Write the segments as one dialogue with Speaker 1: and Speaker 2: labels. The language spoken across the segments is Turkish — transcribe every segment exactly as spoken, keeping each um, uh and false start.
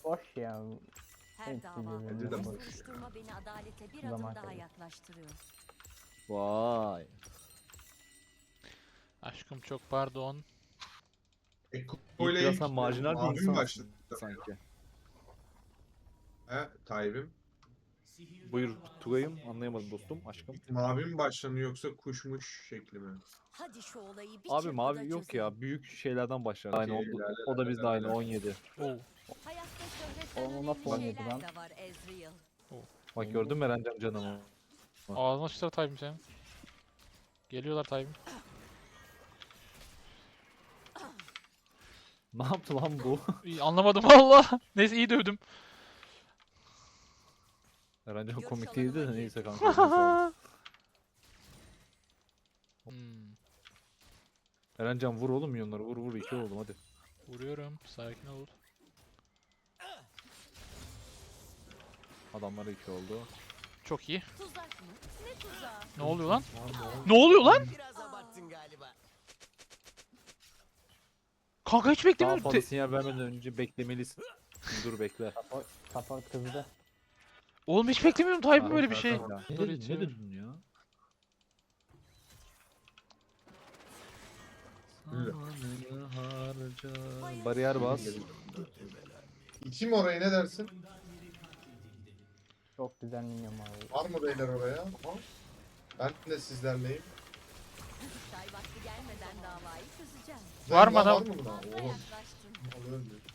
Speaker 1: Boş ya.
Speaker 2: Her
Speaker 1: Hiç
Speaker 2: dava,
Speaker 1: bilmiyorum.
Speaker 3: Bence de
Speaker 2: her
Speaker 3: boş
Speaker 2: soruşturma beni adalete bir
Speaker 1: Zaman
Speaker 2: adım daha
Speaker 1: kaybı.
Speaker 2: yaklaştırıyor.
Speaker 4: Vay.
Speaker 5: Aşkım çok pardon.
Speaker 3: Eko
Speaker 4: Yiğit
Speaker 3: ile
Speaker 4: biraz
Speaker 3: ilk
Speaker 4: sen marjinal bir
Speaker 3: abim
Speaker 4: insansın
Speaker 3: başladı.
Speaker 4: sanki.
Speaker 3: He Tayyip'im.
Speaker 4: Buyur Tugay'ım, anlayamadım dostum, aşkım.
Speaker 3: Mavi mi başlanıyor yoksa kuşmuş şekli mi?
Speaker 2: Hadi şu olayı bir
Speaker 4: Abi
Speaker 2: çırpıda
Speaker 4: mavi yok
Speaker 2: çözelim.
Speaker 4: ya, büyük şeylerden başlar. Aynı
Speaker 3: Okey,
Speaker 4: oldu.
Speaker 3: la la
Speaker 4: O
Speaker 3: la
Speaker 4: da
Speaker 3: la
Speaker 4: bizde
Speaker 3: la
Speaker 4: aynı
Speaker 3: la.
Speaker 4: on yedi.
Speaker 5: Oo.
Speaker 2: Hayatta şöhretten
Speaker 1: O
Speaker 2: önemli
Speaker 1: nasıl oynadı
Speaker 2: şeyler
Speaker 1: lan?
Speaker 2: de var Ezreal.
Speaker 4: Bak gördün mü Erencan canımı?
Speaker 5: Ağzına sıçrar Tayyip'im senin. Geliyorlar Tayyip'im.
Speaker 4: Ne yaptı lan bu?
Speaker 5: İyi, anlamadım valla. Neyse iyi dövdüm.
Speaker 4: Erencan
Speaker 2: Görüş
Speaker 4: komik değildi de
Speaker 2: alanıma
Speaker 4: neyse
Speaker 2: girdi.
Speaker 4: kanka. eline sağlık.
Speaker 5: Hmm,
Speaker 4: Erencan vur oğlum milyonları, vur vur, iki oğlum hadi.
Speaker 5: vuruyorum. Sakin ol.
Speaker 4: Adamlara iki oldu.
Speaker 5: Çok iyi.
Speaker 2: Tuzak mı? Ne tuzağı?
Speaker 5: Ne oluyor lan? Ne oluyor lan?
Speaker 6: Biraz abarttın galiba.
Speaker 5: Kanka hiç
Speaker 4: Daha
Speaker 5: beklemiyorum.
Speaker 4: fazla
Speaker 5: Te-
Speaker 4: sinyal vermeden önce beklemelisin. Dur bekle.
Speaker 1: Support, support kızdı.
Speaker 5: Oğlum hiç beklemiyorum Tayyip'im
Speaker 4: Ha,
Speaker 5: böyle bir şey.
Speaker 3: tamam.
Speaker 4: Ne
Speaker 5: Dur
Speaker 4: dedin,
Speaker 5: hiç
Speaker 4: ne
Speaker 5: çevir.
Speaker 4: dedin ya? Zamanını harca. Bariyer bas.
Speaker 3: İçim orayı ne dersin?
Speaker 1: Çok güzel minyon abi.
Speaker 3: Var mı beyler oraya? Aha. Ben de sizlerleyim.
Speaker 2: Çay vakti gelmeden davayı çözeceğim.
Speaker 5: Var mı
Speaker 3: Var
Speaker 5: adam?
Speaker 3: Var mı buna?
Speaker 2: Fazla
Speaker 3: Oğlum.
Speaker 2: yaklaştın.
Speaker 3: Alıyorum diyor.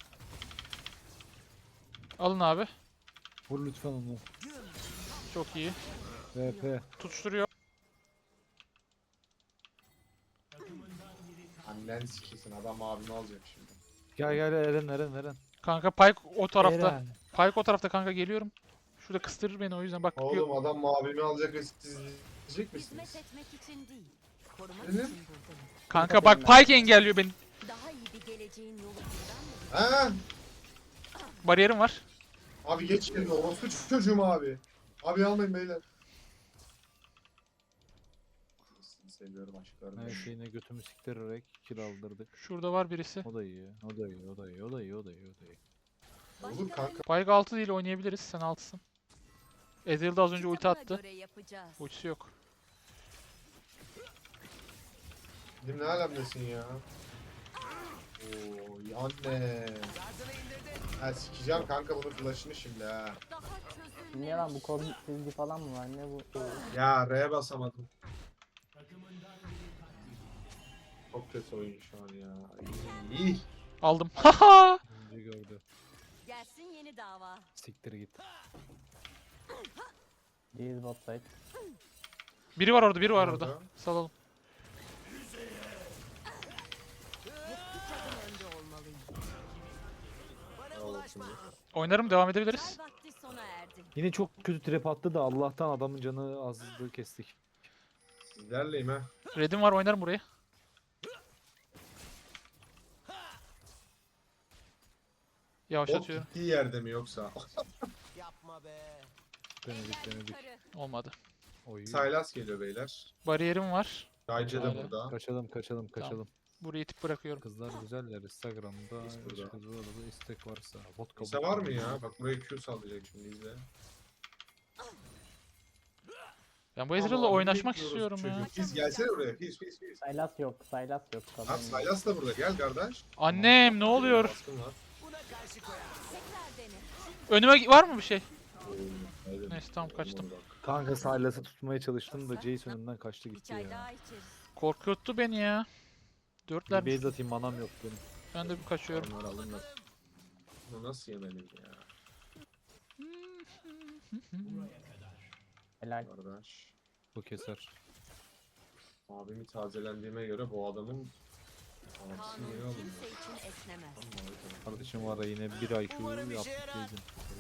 Speaker 5: Alın abi.
Speaker 4: Vur lütfen onu.
Speaker 5: Çok iyi.
Speaker 4: V P.
Speaker 5: Tutuşturuyor.
Speaker 3: Annen sikilsin adam abimi alacak şimdi.
Speaker 4: Gel gel Eren Eren Eren.
Speaker 5: Kanka Pyke o tarafta.
Speaker 4: Eren.
Speaker 5: Pyke o tarafta kanka geliyorum. Şurada kıstırır beni o yüzden bak.
Speaker 3: Oğlum adam abimi alacak ve siz izleyecek misiniz?
Speaker 2: Hizmet etmek için değil, korumak
Speaker 3: Evet.
Speaker 2: için buradayım.
Speaker 5: Kanka bak Pyke engelliyor beni.
Speaker 2: Daha iyi bir geleceğin yolu buradan mı?
Speaker 3: Ha?
Speaker 5: Bariyerim var.
Speaker 3: Abi geç yerine orospu çocuğum abi. Abi almayın beyler. Sizi seviyorum aşklarım.
Speaker 4: Her şeyine götümü siktirerek kill aldırdık.
Speaker 5: Şurada var birisi.
Speaker 4: O da iyi. O da iyi. O da iyi. O da iyi. O da iyi. O da iyi.
Speaker 3: Olur kanka.
Speaker 5: Pyke altı değil oynayabiliriz. Sen altısın. Ezreal da az önce ulti
Speaker 2: Kitabına
Speaker 5: attı.
Speaker 2: göre yapacağız.
Speaker 5: Ultisi yok.
Speaker 3: Dedim ne alemdesin ya? Oo anne.
Speaker 6: Gazını indirdin.
Speaker 3: Ha sikeceğim kanka bunun flash'ını şimdi ha.
Speaker 2: Daha çözülmüş.
Speaker 1: Ne lan bu kod çizgi falan mı var? Ne bu?
Speaker 3: Ya R'ye basamadım. Çok kötü oyun şu an ya. İyi. iyi.
Speaker 5: Aldım. Haha.
Speaker 4: Önce gördü.
Speaker 2: Gelsin yeni dava.
Speaker 4: Siktir git.
Speaker 1: These bot side.
Speaker 5: Biri var orada, biri var
Speaker 3: Orada.
Speaker 5: orada. Salalım.
Speaker 2: Bir adım önde olmalıyım.
Speaker 6: Bana
Speaker 3: Al
Speaker 6: bulaşma.
Speaker 3: şimdi.
Speaker 5: Oynarım, devam edebiliriz.
Speaker 2: Çay vakti sona erdi.
Speaker 4: Yine çok kötü trap attı da Allah'tan adamın canı azdı, kestik.
Speaker 3: Sizlerleyim ha.
Speaker 5: Red'im var, oynarım burayı.
Speaker 3: Bot
Speaker 5: Yavaşlatıyorum.
Speaker 3: gittiği yerde mi yoksa?
Speaker 6: Yapma be.
Speaker 4: Denedik
Speaker 2: Eller
Speaker 4: denedik.
Speaker 2: yukarı.
Speaker 5: Olmadı.
Speaker 4: Oy.
Speaker 3: Saylas geliyor beyler.
Speaker 5: Bariyerim var.
Speaker 3: Gayce de
Speaker 5: Hala.
Speaker 3: burada.
Speaker 4: Kaçalım kaçalım kaçalım.
Speaker 5: Burayı itip bırakıyorum.
Speaker 4: Kızlar güzeller Instagram'da.
Speaker 3: Biz burada.
Speaker 4: Kızlar da istek varsa. Vodka
Speaker 3: Kimse var mı ya? Bak buraya Q sallayacak şimdi izle.
Speaker 5: Ben bu Ezreal'la
Speaker 3: Ama
Speaker 5: oynaşmak
Speaker 3: bekliyoruz
Speaker 5: istiyorum ya.
Speaker 3: çocuğu. Biz gelsene buraya. Pis pis pis.
Speaker 1: Saylas yok. Saylas yok.
Speaker 3: Lan
Speaker 1: Kadın.
Speaker 3: Saylas da burada. Gel kardeş.
Speaker 5: Annem ne oluyor?
Speaker 3: Baskın var.
Speaker 6: Buna karşı koyamam.
Speaker 2: Tekrar dene.
Speaker 5: Önüme var mı bir şey?
Speaker 3: Aynen.
Speaker 5: Neyse tamam kaçtım.
Speaker 4: Kanka Silas'ı tutmaya çalıştım da Jace önümden kaçtı
Speaker 2: Bir
Speaker 4: gitti
Speaker 2: çay
Speaker 4: ya.
Speaker 2: daha içeriz.
Speaker 5: Korkuttu beni ya. Dörtler.
Speaker 4: Bir base atayım manam yok benim.
Speaker 5: Ben de bir kaçıyorum.
Speaker 3: Onlar alınmaz. Bunu nasıl yemedim ya?
Speaker 1: Helal.
Speaker 3: Kardeş.
Speaker 4: Bu keser.
Speaker 3: Abimi tazelendiğime göre bu adamın abisi niye
Speaker 2: Kanun
Speaker 3: alındı?
Speaker 2: kimse için esnemez.
Speaker 4: Kardeşim var ya yine bir I Q
Speaker 6: Umarım işe
Speaker 4: yaptık
Speaker 6: yarar.
Speaker 4: dedim.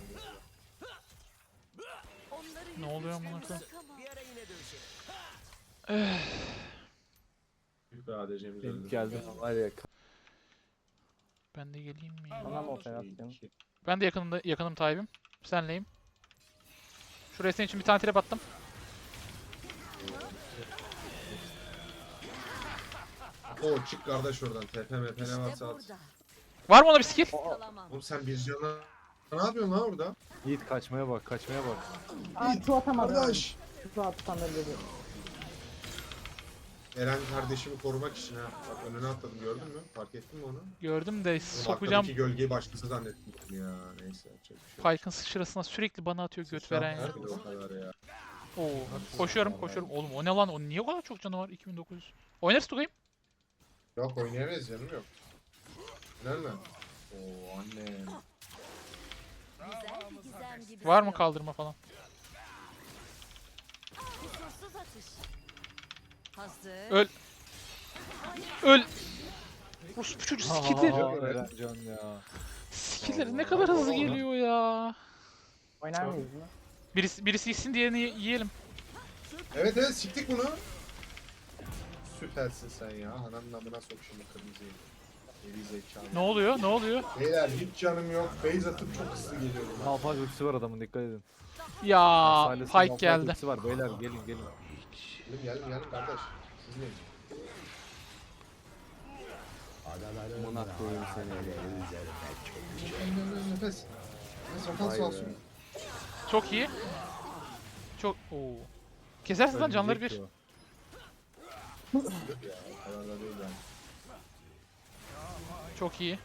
Speaker 2: Onları
Speaker 5: Ne oluyor amına
Speaker 2: yüzleşmemiz
Speaker 5: koyayım?
Speaker 2: sıkamaz.
Speaker 6: Bir ara yine dövüşelim.
Speaker 3: Büyük bir A D C'miz
Speaker 4: Benim
Speaker 3: öldü.
Speaker 4: geldi var ya.
Speaker 5: Ben de geleyim mi? ya?
Speaker 1: Bana mı operasyon?
Speaker 5: Ben de yakınımda yakınım Tayyip'im. Senleyim. Şuraya senin için bir tane trap attım.
Speaker 3: O çık kardeş oradan. T P M P ne
Speaker 2: İşte
Speaker 3: varsa at.
Speaker 2: burada.
Speaker 5: Var mı ona bir skill?
Speaker 2: Kalamam.
Speaker 3: Oğlum sen bir cana ne yapıyorsun lan orada?
Speaker 4: Yiğit kaçmaya bak, kaçmaya bak.
Speaker 1: Aa şu atamadım.
Speaker 3: Kardeş.
Speaker 1: Şu atsam öldürür.
Speaker 3: Eren kardeşimi korumak için ha. Bak önüne atladım gördün mü? Fark ettin mi onu?
Speaker 5: Gördüm de
Speaker 3: Oğlum
Speaker 5: sokacağım.
Speaker 3: arkadaki gölgeyi başkası zannettim ya. Neyse yapacak bir şey yok.
Speaker 5: Pyke'ın sıçrasına sürekli bana atıyor göt veren ya.
Speaker 3: Nerede o kadar ya?
Speaker 5: Oo. Koşuyorum koşuyorum. Oğlum o ne lan? O niye o kadar çok canı var? iki bin dokuz yüz. Oynarız Tugay'ım.
Speaker 3: Yok oynayamayız canım yok. Nerede? Oo annem.
Speaker 2: Güzel bir gizem gibi.
Speaker 5: Var mı kaldırma falan?
Speaker 2: Kusursuz atış. Hazır.
Speaker 5: Öl. Öl. Rus bu çocuk skill'leri.
Speaker 4: Aa, Erencan ya.
Speaker 5: Skill'leri ne kadar hızlı geliyor ya.
Speaker 1: Oynar mıyız mı?
Speaker 5: Birisi, birisi gitsin diğerini y- yiyelim.
Speaker 3: Evet evet siktik bunu. Süpersin sen ya. Ananın amına sok şimdi kırmızıyı. Geri zekalı.
Speaker 5: Ne oluyor? Ne oluyor?
Speaker 3: Beyler hiç canım yok. Base atıp çok hızlı geliyorum. ben.
Speaker 4: Malphite ultisi var adamın, dikkat edin.
Speaker 5: Ya
Speaker 4: Silas'ın
Speaker 5: Pyke
Speaker 4: Malphite
Speaker 5: geldi.
Speaker 4: ultisi var beyler, gelin gelin.
Speaker 3: Gelin gelin gelin kardeş. Siz neyin?
Speaker 7: Amına koyayım seni.
Speaker 3: Nefes. Nefes. Nefes sağ olsun.
Speaker 5: Çok iyi. Çok oo. Kesersin lan canları bir.
Speaker 4: Ölecek o.
Speaker 3: Ya o kadar da değil yani.
Speaker 5: Çok iyi.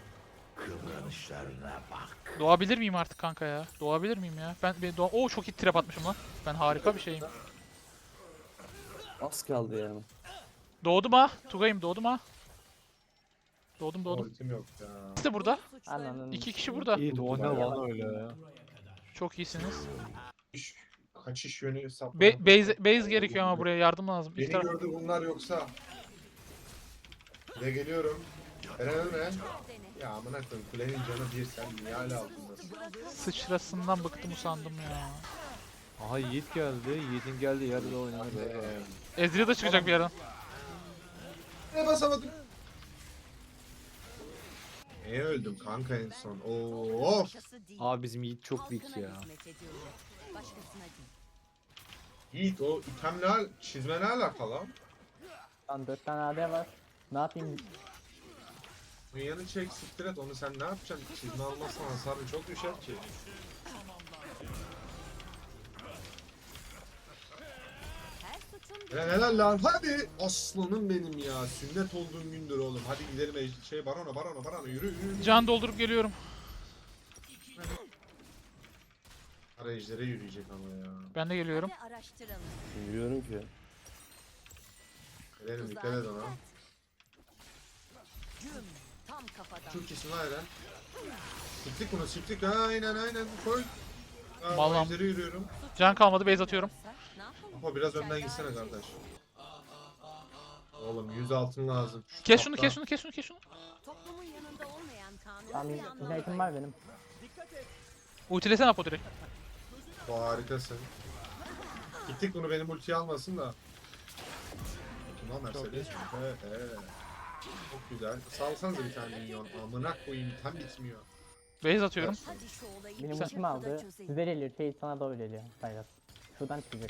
Speaker 5: Doğabilir miyim artık kanka ya? Doğabilir miyim ya? Ben bir doğa... Oo çok iyi trap atmışım lan. Ben harika bir şeyim.
Speaker 7: Az kaldı yani.
Speaker 5: Doğdum ha. Tugay'ım doğdum ha. Doğdum doğdum.
Speaker 3: Ultim yok ya.
Speaker 5: İkisi de burada.
Speaker 1: Ananın.
Speaker 5: İki kişi burada.
Speaker 4: Yiğit o ne lan öyle ya.
Speaker 5: Çok iyisiniz.
Speaker 3: İş, kaçış yönü sapma.
Speaker 5: Be base, base gerekiyor ama buraya yardım lazım. İki
Speaker 3: Beni
Speaker 5: taraf...
Speaker 3: gördü bunlar yoksa. Buraya geliyorum. Eren ölme.
Speaker 2: Dene.
Speaker 3: Ya amına koyayım kulenin canı bir sen niye hala altındasın?
Speaker 5: Sıçrasından bıktım usandım ya.
Speaker 4: Aha Yiğit geldi. Yiğit'in geldiği yerde oynanır ya.
Speaker 3: Eee.
Speaker 5: Ezreal da çıkacak bir yerden.
Speaker 3: Ne basamadım? Neye öldüm kanka en son? Oo, of.
Speaker 2: Başkası değil.
Speaker 4: Abi bizim Yiğit çok weak
Speaker 2: Halkına
Speaker 4: ya.
Speaker 2: hizmet ediyorum. Başkasına değil.
Speaker 3: Yiğit o itemle çizme ne alakalı?
Speaker 1: Lan dört tane A D var. Ne yapayım?
Speaker 3: Yanı çek siktir et onu sen ne yapacaksın? Çizme almazsan hasarın çok düşer ki.
Speaker 2: Her suçun
Speaker 3: Ya helal lan hadi aslanım benim ya sünnet olduğum gündür oğlum hadi gidelim ej- şey barona barona barona yürü yürü yürü.
Speaker 5: Can doldurup geliyorum.
Speaker 3: Ara ejdere yürüyecek ama ya.
Speaker 5: Ben de geliyorum.
Speaker 2: bir araştıralım.
Speaker 7: Bilmiyorum ki.
Speaker 3: Eren'im dikkat
Speaker 2: Tuzağa
Speaker 3: et ona.
Speaker 2: Güm. Tam kafadan.
Speaker 3: Çok iyisin lan Eren. Siktik bunu siktik aynen aynen koy. Aa,
Speaker 5: Vallahi-
Speaker 3: ejdere yürüyorum.
Speaker 5: Can kalmadı base atıyorum.
Speaker 2: Ne yapalım?
Speaker 3: Ama biraz önden gitsene kardeş. Oğlum yüz altın lazım. Şu
Speaker 5: Kes şunu
Speaker 3: tapta.
Speaker 5: kes şunu kes şunu kes şunu.
Speaker 2: Toplumun yanında olmayan kanun
Speaker 1: Tamam
Speaker 2: bir
Speaker 1: ignite'im
Speaker 2: anlamda.
Speaker 1: var benim.
Speaker 5: Ultilesene Apo direkt.
Speaker 3: Bu harikasın. Gittik bunu benim ultiyi almasın da. Kim o Mercedes? Evet evet. Çok güzel. Salsanıza bir tane minyon. Amına koyayım tam bitmiyor.
Speaker 5: Base atıyorum.
Speaker 2: Hadi şu olayı
Speaker 1: Benim
Speaker 2: bir
Speaker 1: ultim
Speaker 2: çırpıda
Speaker 1: aldı.
Speaker 2: çözelim.
Speaker 1: Size geliyor. Şey sana doğru geliyor. Saylas. Şuradan çıkacak.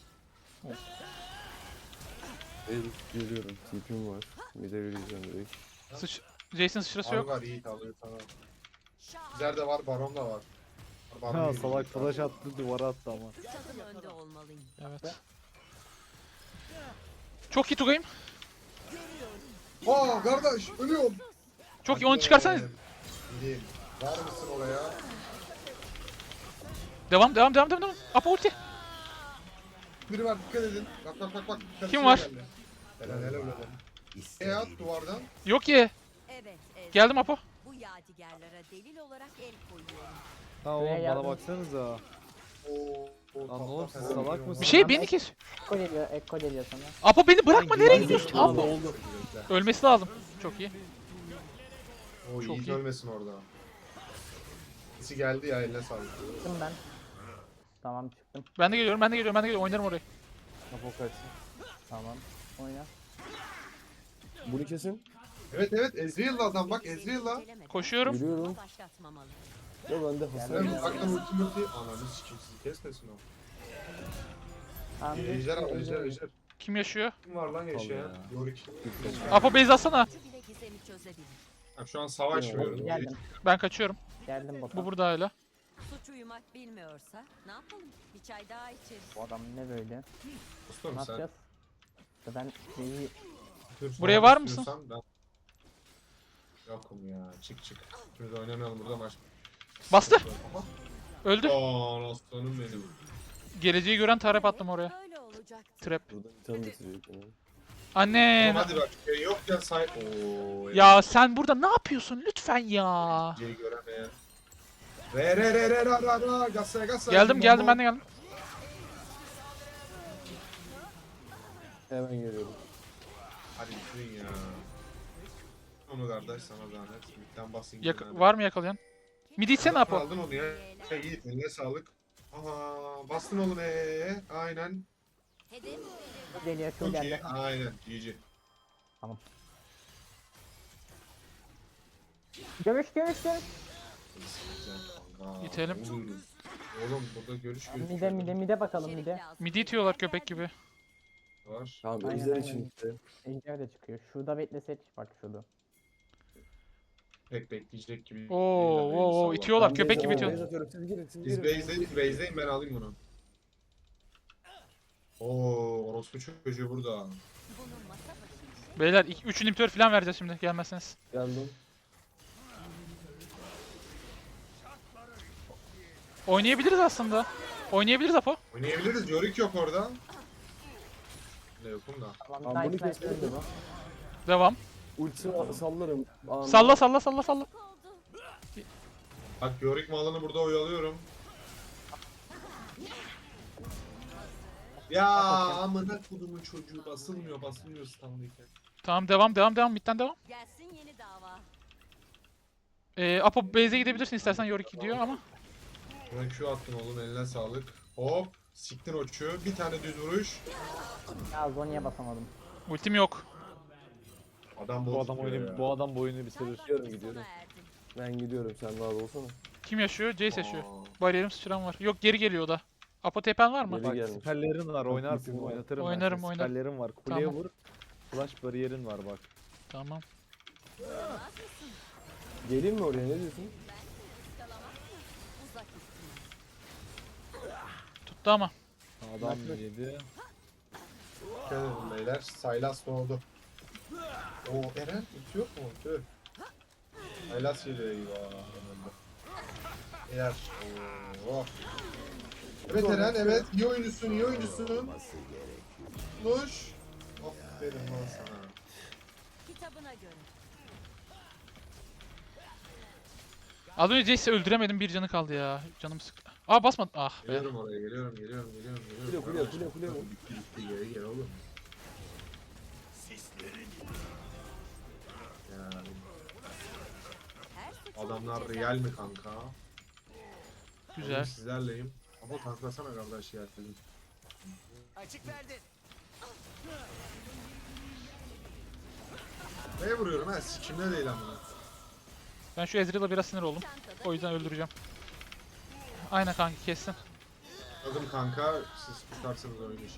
Speaker 7: El görüyorum. Tipim var. Bir de yürüyeceğim direkt.
Speaker 5: Sıç Jason sıçrası
Speaker 3: Abi
Speaker 5: yok.
Speaker 3: var iyi alıyor tamam.
Speaker 2: Şah.
Speaker 3: Bizler de var baron da var. Baron
Speaker 4: Ha
Speaker 3: yürüyecek
Speaker 4: salak
Speaker 3: abi.
Speaker 4: flash attı, duvara attı ama.
Speaker 2: Adım önde olmalıyım.
Speaker 5: Evet. Çok iyi Tugay'ım.
Speaker 3: Aa kardeş ölüyorum.
Speaker 5: Çok iyi onu çıkarsanız.
Speaker 3: Gideyim. Var mısın oraya?
Speaker 5: Devam devam devam devam. devam. Apo ulti.
Speaker 3: Biri var dikkat edin. Bak bak bak bak.
Speaker 5: Kim var?
Speaker 3: Geldi. Helal helal helal. E at duvardan.
Speaker 5: Yok ye.
Speaker 2: Evet, evet.
Speaker 5: Geldim Apo.
Speaker 2: Bu yadigarlara delil olarak el koyuyorum.
Speaker 4: Ha oğlum
Speaker 1: Buraya
Speaker 4: bana
Speaker 1: yardım-
Speaker 4: baksanıza.
Speaker 3: Oo. o
Speaker 4: Lan
Speaker 3: tatlı
Speaker 4: oğlum siz
Speaker 3: fena
Speaker 4: salak
Speaker 3: bir
Speaker 4: mısınız?
Speaker 5: Bir şey beni kes.
Speaker 1: Ekko geliyor. Ekko geliyor sana.
Speaker 5: Apo beni bırakma nereye gidiyorsun?
Speaker 3: Oldu
Speaker 5: Apo.
Speaker 3: oldu.
Speaker 5: Ölmesi lazım. Çok iyi.
Speaker 3: O
Speaker 5: Çok
Speaker 3: Yiğit
Speaker 5: iyi.
Speaker 3: ölmesin orada. Sesi geldi ya eline sağlık.
Speaker 1: Çıktım ben. Tamam çıktım.
Speaker 5: Ben de geliyorum ben de geliyorum ben de geliyorum. Oynarım orayı.
Speaker 4: Apo kaçsın.
Speaker 1: Tamam. Oyna.
Speaker 7: Bunu kesin.
Speaker 3: Evet evet Ezreal'la adam bak Ezreal'la.
Speaker 2: İncelemeden
Speaker 5: Koşuyorum.
Speaker 7: Yürüyorum.
Speaker 2: başlatmamalı.
Speaker 7: Ya ben de hasar
Speaker 3: Evet
Speaker 7: yiyorum.
Speaker 3: aklım ulti multi. Ananı sikeyim sizi kesmesin o.
Speaker 1: Tamam.
Speaker 3: Ejder al
Speaker 1: ejder-
Speaker 3: ejder ejder.
Speaker 5: Kim yaşıyor?
Speaker 3: Kim var lan yaşayan?
Speaker 7: ya.
Speaker 3: Yorick.
Speaker 5: Apo base atsana.
Speaker 2: Şu bile gizemi çözebilir.
Speaker 3: Ha, şu an savaşmıyorum.
Speaker 1: Geldim.
Speaker 5: Ben kaçıyorum.
Speaker 1: Geldim bota.
Speaker 5: Bu burada hala.
Speaker 2: Suç uyumak bilmiyorsa ne yapalım? Bir çay daha içeriz.
Speaker 1: Bu adam ne böyle?
Speaker 3: Dostum
Speaker 1: Ne
Speaker 3: sen.
Speaker 1: yapacağız? İşte ben şeyi
Speaker 3: Dur,
Speaker 5: Buraya
Speaker 3: sonra
Speaker 5: var mısın?
Speaker 3: istiyorsan Ben... Yokum ya. Çık çık. Şimdi oynamayalım burada maç.
Speaker 5: Bastı.
Speaker 3: Aha.
Speaker 5: Öldü.
Speaker 3: Aa aslanım benim.
Speaker 5: Geleceği gören tarep attım oraya.
Speaker 2: Böyle olacaktı.
Speaker 5: Trap.
Speaker 7: Burada bir tane bitirecek yani.
Speaker 5: Anne.
Speaker 3: Hadi bak şey yok ya say. Oo.
Speaker 5: Ya sen burada ne yapıyorsun lütfen ya.
Speaker 3: Şeyi göremeyen. Re re re re ra ra ra. Gasa gasa.
Speaker 5: Geldim geldim ben de geldim.
Speaker 7: Hemen geliyorum.
Speaker 3: Hadi bitirin ya. Onu kardeş sana zahmet. Midden basayım.
Speaker 5: Yak
Speaker 3: ben.
Speaker 5: var mı yakalayan? Midi itsene Apo.
Speaker 3: Aldın onu ya. Hey Yiğit eline sağlık. Aha bastın oğlum eee. Aynen.
Speaker 2: Hedef
Speaker 1: geliyor şu
Speaker 3: Çok iyi.
Speaker 1: geldi.
Speaker 3: Aynen. G G.
Speaker 1: Görüş görüş görüş.
Speaker 3: Güzel kanka.
Speaker 5: İtelim.
Speaker 3: Oğlum, Oğlum burada görüş görüş.
Speaker 1: Mide mide mide bakalım
Speaker 2: içerik
Speaker 1: mide.
Speaker 2: lazım.
Speaker 5: Midi itiyorlar köpek gibi.
Speaker 3: Var.
Speaker 7: Tamam
Speaker 1: Aynen,
Speaker 7: ejder
Speaker 1: aynen.
Speaker 7: için işte.
Speaker 1: Ejder de çıkıyor. Şurada beklesek bak şurada.
Speaker 3: Pek bekleyecek gibi.
Speaker 5: Oo,
Speaker 3: değil de
Speaker 5: oo, oo,
Speaker 3: neyse,
Speaker 5: itiyorlar
Speaker 7: Ben
Speaker 5: köpek
Speaker 7: base-
Speaker 5: gibi
Speaker 7: Oo, base
Speaker 5: itiyorlar.
Speaker 7: atıyorum, siz girin, siz
Speaker 3: Biz
Speaker 7: girin.
Speaker 3: base'deyiz, base'deyim ben alayım bunu. Oo, orospu çocuğu burada.
Speaker 2: Bunun masa başı.
Speaker 5: Beyler üç inhibitor falan vereceğiz şimdi gelmezseniz.
Speaker 7: Geldim.
Speaker 5: Oynayabiliriz aslında. Oynayabiliriz Apo.
Speaker 3: Oynayabiliriz, Yorick yok orada. Ne yokum da.
Speaker 1: Tamam
Speaker 7: Tamam, bunu
Speaker 1: nice nice
Speaker 7: kestim.
Speaker 1: öldü bu.
Speaker 5: Devam.
Speaker 7: Ultisini sallarım. Anında.
Speaker 5: Salla salla salla salla.
Speaker 2: Oldu.
Speaker 3: Bak Yorick malını burada oyalıyorum. Ya amına kodumun çocuğu basılmıyor basılmıyor standıyken.
Speaker 5: Tamam devam devam devam midden devam.
Speaker 2: Gelsin yeni dava.
Speaker 5: Ee, Apo base'e gidebilirsin istersen Yorick gidiyor ama.
Speaker 3: Buna Q attın oğlum eline sağlık. Hop siktin o Q. Bir tane düz vuruş.
Speaker 1: Ya Zonya'ya basamadım.
Speaker 5: Ultim yok.
Speaker 3: Adam
Speaker 4: Bu
Speaker 3: bol
Speaker 4: adam
Speaker 3: tutuyor
Speaker 4: oyunu
Speaker 3: ya.
Speaker 4: bu adam bu oyunu bitirir.
Speaker 7: Gidiyorum, gidiyorum.
Speaker 2: Sona erdi.
Speaker 7: Ben gidiyorum, sen rahat olsana.
Speaker 5: Kim yaşıyor? Jace yaşıyor.
Speaker 3: Aa.
Speaker 5: Bariyerim sıçran var. Yok geri geliyor o da. Apo tepen var mı?
Speaker 7: Geri
Speaker 4: Bak
Speaker 7: gelmiş.
Speaker 4: siperlerin var
Speaker 7: Bak,
Speaker 4: oynarsın
Speaker 7: ultim var.
Speaker 4: oynatırım
Speaker 5: Oynarım,
Speaker 4: ben seni.
Speaker 5: oynarım.
Speaker 4: Siperlerin var. Kuleye
Speaker 5: Tamam.
Speaker 4: vur. Flash bariyerin var bak.
Speaker 5: Tamam.
Speaker 7: Geleyim mi oraya, ne diyorsun?
Speaker 2: Uzak üstüne.
Speaker 5: Tuttu ama.
Speaker 4: Adam yedi.
Speaker 3: Dikkat edin beyler. Saylas doğdu. Oo Eren ulti yok mu? Tüh. Saylas geliyor eyvah. Eğer. Oo. Evet Eren evet. İyi oyuncusun iyi oyuncusun. Luş. Aferin lan sana.
Speaker 2: Kitabına göre.
Speaker 5: Az önce Jace'i öldüremedim bir canı kaldı ya. Canım sık. Aa basmadı. Ah be.
Speaker 3: Geliyorum oraya geliyorum geliyorum geliyorum. geliyorum.
Speaker 7: Kule, kule, kule, kule vur.
Speaker 3: Bitti bitti geri gel oğlum. Ya,
Speaker 2: Her suçun
Speaker 3: adamlar
Speaker 2: cezası.
Speaker 3: real mi kanka?
Speaker 5: Güzel.
Speaker 3: Oğlum sizlerleyim. Ama tanklasana kardeş ya.
Speaker 6: Açık verdin.
Speaker 3: Neye vuruyorum ha? Sikimde değil ama.
Speaker 5: Ben şu Ezreal'a biraz sinir oldum.
Speaker 2: Çantada
Speaker 5: O yüzden öldüreceğim. Aynen kanki kessin.
Speaker 3: Adım kanka siz tutarsınız oyunu.